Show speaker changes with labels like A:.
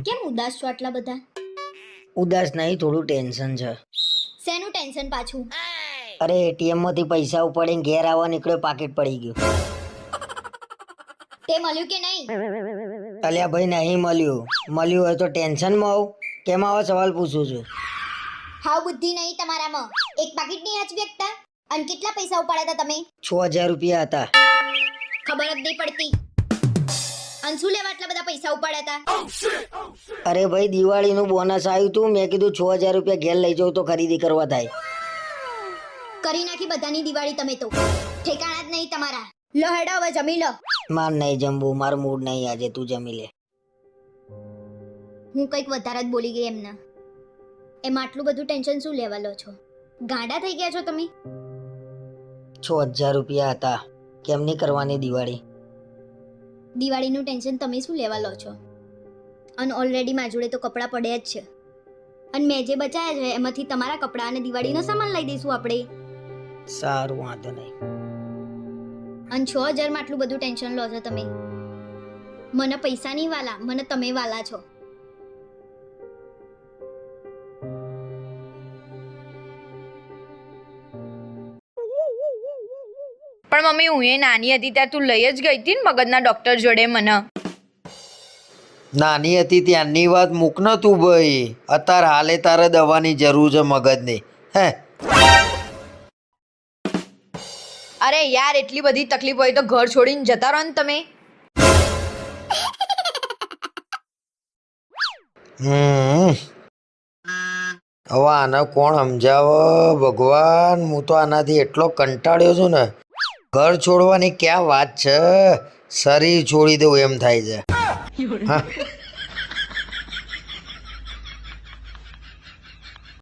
A: કેમ ઉદાસ છો આટલા બધા?
B: ઉદાસ નહીં, થોડું ટેન્શન છે.
A: શેનું ટેન્શન પાછું?
B: અરે એટીએમ માંથી પૈસા ઉપાડીને ઘેર આવવા નીકળ્યો, પાકીટ પડી ગયું.
A: તે મળ્યું કે નહીં?
B: અલ્યા ભાઈ નહીં મળ્યું. મળ્યું હોય તો ટેન્શનમાં આવું? કેમ આવા સવાલ પૂછું છું?
A: હાવ બુદ્ધિ નહીં તમારામાં. એક પાકીટ નહીં આચવી શકતા? અને કેટલા પૈસા ઉપાડ્યા હતા તમે?
B: 6000 રૂપિયા હતા.
A: ખબર જ નહીં પડતી. અને શું લેવા આટલા બધા પૈસા ઉપાડ્યા હતા?
B: અરે ભાઈ દિવાળીનું બોનસ આવ્યું તું, મેં કીધું 6000 રૂપિયા ઘેર લઈ જાઉં તો ખરીદી કરવા થાય.
A: કરી નાખી બધાની દિવાળી તમે તો. ઠેકાણા જ નહીં તમારા. લો હેડો હવે જમી લો.
B: માર નહીં જમવું, મારું મૂડ નહીં આજે, તું જમી લે.
A: હું કંઈક વધારે જ બોલી ગઈ એમના. એમાં આટલું બધું ટેન્શન શું લેવા લો છો? ગાંડા થઈ ગયા છો તમે?
B: 6000 રૂપિયા હતા. કેમ નહીં કરવાની દિવાળી?
A: દિવાળીનું ટેન્શન તમે શું લેવા લો છો? અને ઓલરેડી મારા જોડે તો કપડાં પડ્યા જ છે. અને મેં જે બચાયા છે એમાંથી તમારા કપડાં અને દિવાળીનો સામાન લઈ દઈશું આપણે.
B: સારું, વાંધો નહીં.
A: અને 6000 માં આટલું બધું ટેન્શન લો છો તમે? મને પૈસા નહીં વાલા, મને તમે વાલા છો.
C: પણ મમ્મી હું એ નાની હતી ત્યારે તું લઈ જ ગઈ હતી ને મગજના ડોક્ટર જોડે મને.
D: નાની હતી ત્યાંની વાત મૂક ન તું ભાઈ. અત્યારે હાલે તારે દવાની જરૂર છે મગજની. હે
C: અરે યાર એટલી બધી તકલીફ હોય તો ઘર છોડીને જતા રહો ને તમે.
D: હવે આને કોણ સમજાવે ભગવાન? હું તો આનાથી એટલો કંટાળ્યો છું ને. ઘર છોડવાની ક્યાં વાત છે, શરીર છોડી દઉં એમ થાય છે. હા